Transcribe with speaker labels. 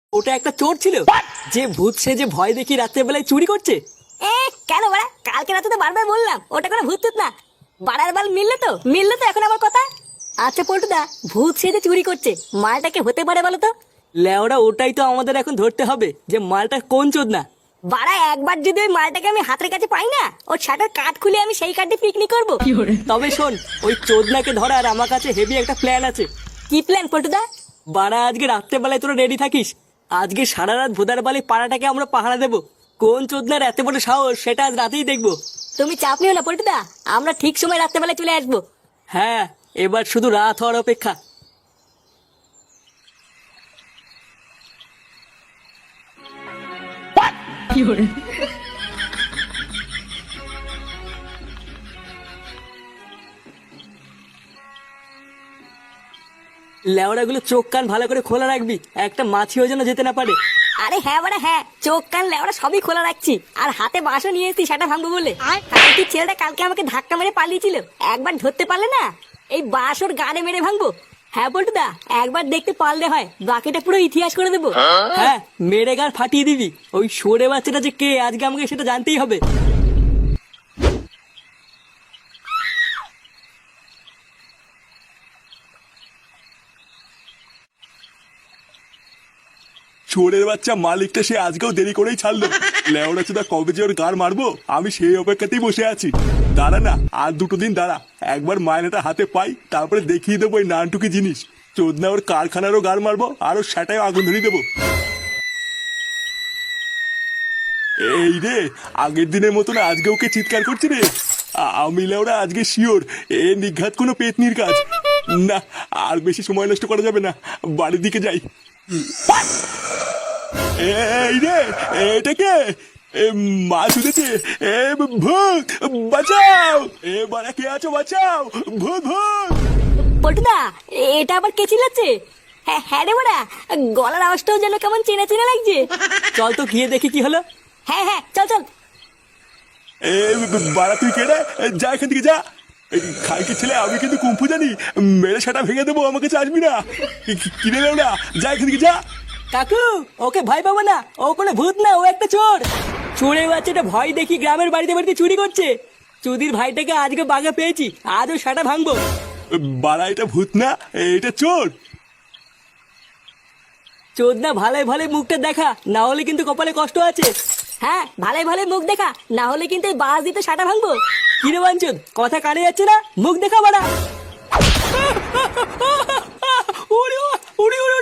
Speaker 1: ওটা একটা চোর ছিল যে ভূত সেজে ভয় দেখি রাত্রে বেলায় চুরি করছে।
Speaker 2: কেন বাড়া? কালকে রাতে তো বারবার বললাম ওটা কোনো ভূত টুত না। বাড়ার বাল মিললে তো এখন আমার কথা। আচ্ছা পল্টুদা, ভূত সেজে চুরি করছে, মালটাকে হতে পারে বলো তো?
Speaker 1: লেওড়া ওটাই তো আমাদের এখন ধরতে হবে যে মালটা কোন চোদ না।
Speaker 2: বাড়া একবার যদি ওই মালটাকে আমি হাতের কাছে পাই না, ওর শাটার কাঠ খুলে আমি সেই কাঠে পিকনিক করবো।
Speaker 1: তবে শোন, ওই চোদনাকে ধরার আমার কাছে হেভি একটা প্ল্যান আছে।
Speaker 2: কি প্ল্যান পল্টুদা?
Speaker 1: বাড়া আজকে রাত্রে বেলায় তোরা রেডি থাকিস। আজকে সারা রাত ভোদার বালি পাড়াটাকে আমরা পাহারা দেবো। কোন চোদনার এত বড় সাহস সেটা আজ রাতেই দেখবো।
Speaker 2: তুমি চাপ নিও না পল্টুদা, আমরা ঠিক সময় রাত্রেবেলায় চলে আসবো।
Speaker 1: হ্যাঁ, এবার শুধু রাত হওয়ার অপেক্ষা। লেওড়া গুলো চোখ কান ভালো করে খোলা রাখবি, একটা মাছিও যেন যেতে না পারে।
Speaker 2: আরে হ্যাঁ বাড়া হ্যাঁ, চোখ কান লেওড়া সবই খোলা রাখছি, আর হাতে বাঁশও নিয়ে এসেছি সেটা ভাঙবো বলে। কারণ কি ছেলেটা কালকে আমাকে ধাক্কা মেরে পালিয়েছিল, একবার ধরতে পারলে না এই বাঁশ ওর গানে মেরে ভাঙবো। হ্যাঁ পল্টুদা, একবার দেখতে পারলে হয়, বাকিটা পুরো ইতিহাস করে দেবো।
Speaker 1: হ্যাঁ, মেরে গার ফাটিয়ে দিবি। ওই সরে বাচ্চাটা যে কে আজকে আমাকে সেটা জানতেই হবে।
Speaker 3: চোরের বাচ্চা মালিকটা সে আজকেও দেরি করেই ছাড়লো। লেওড়া চোদা কবে যে ওর গার মারবো আমি সেই অপেক্ষাতেই বসে আছি। দাঁড়া না, আর দুটো দিন দাঁড়া, একবার মায়নাটা হাতে পাই, তারপরে দেখিয়ে দেবো ওই নানটুকি জিনিস। চোদনা ওর কারখানারও গার মারবো আর ওর সেটাই আগুন ধরিয়ে দেবো। এই রে, আগের দিনের মতন আজকে ওকে চিৎকার করছি রে। আমি লেওড়া আজকে শিওর এ নিঘাত কোনো পেতনির কাজ না। আর বেশি সময় নষ্ট করা যাবে না, বাড়ির দিকে যাই। এই রে, এটা কে? মা শুনেছে? ভূত বাঁচাও! বাড়া কে আছো, বাঁচাও! ভূত ভূত!
Speaker 2: পল্টুদা, এটা আবার কে চিল্লাচ্ছে? হ্যাঁ হ্যাঁ রে বাড়া, গলার আওয়াজটাও যেন কেমন চেনা চেনা লাগছে।
Speaker 1: চল তো গিয়ে দেখি কি হলো।
Speaker 2: হ্যাঁ হ্যাঁ চল চল।
Speaker 3: বাড়া তুই কে রে? যা এখান থেকে যা। খাইকে ছেলে, আমি কিন্তু কুম্ফু জানি, মেরে সেটা ভেঙে দেবো, আমাকে চাসবি না। কিনে নেও না, যা এখান থেকে যা।
Speaker 1: কাকু, ওকে ভয় পাবো না, ও কোনো ভূত না, ও একটা চোর। চোরের বাচ্চাটা ভয় দেখি গ্রামের বাড়িতে বাড়িতে চুরি করছে। চুদির ভাইটাকে আজকে বাঘা পেয়েছি, আজও সেটা ভাঙবো।
Speaker 3: বাড়া এটা ভূত না, এটা চোর।
Speaker 1: চোদ না, ভালোই ভালোই মুখটা দেখা, না হলে কিন্তু কপালে কষ্ট আছে।
Speaker 2: হ্যাঁ ভালোই ভালোই মুখ দেখা, না হলে কিন্তু এই বাস দিতে সাটা ভাঙবো।
Speaker 1: কিরে বাঞ্চদ, কথা কানে যাচ্ছে না? মুখ দেখা বাড়া। উড়ি উড়ি উড়ি